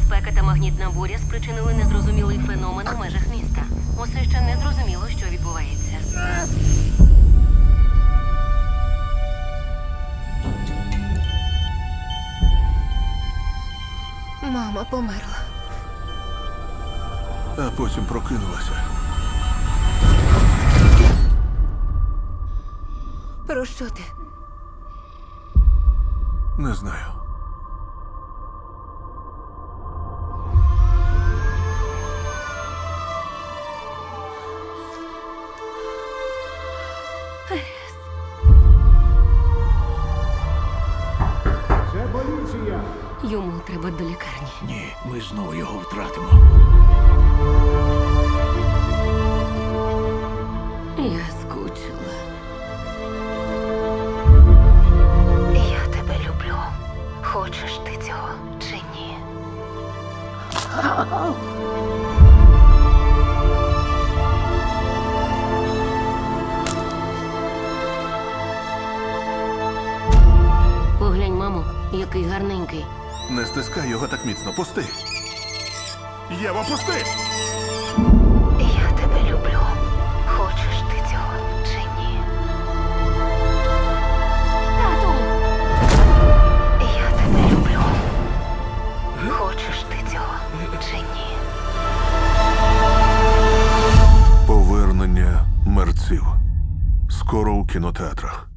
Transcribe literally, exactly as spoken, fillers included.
спека та магнітна буря спричинили незрозумілий феномен у межах міста. Усе ще не зрозуміло, що відбувається. Мама померла. А потім прокинулася. Про що ти? Не знаю. Це поліція! Йому треба до лікарні. Ні, ми знову його втратимо. Я скучила. Я тебе люблю. Хочеш ти цього чи ні? Поглянь, мамо, який гарненький. Не стискай його так міцно. Пусти. Єва, пусти! Я тебе люблю. Хочеш ти цього чи ні? Тату! Я тебе люблю. Хочеш ти цього чи ні? Повернення мерців. Скоро у кінотеатрах.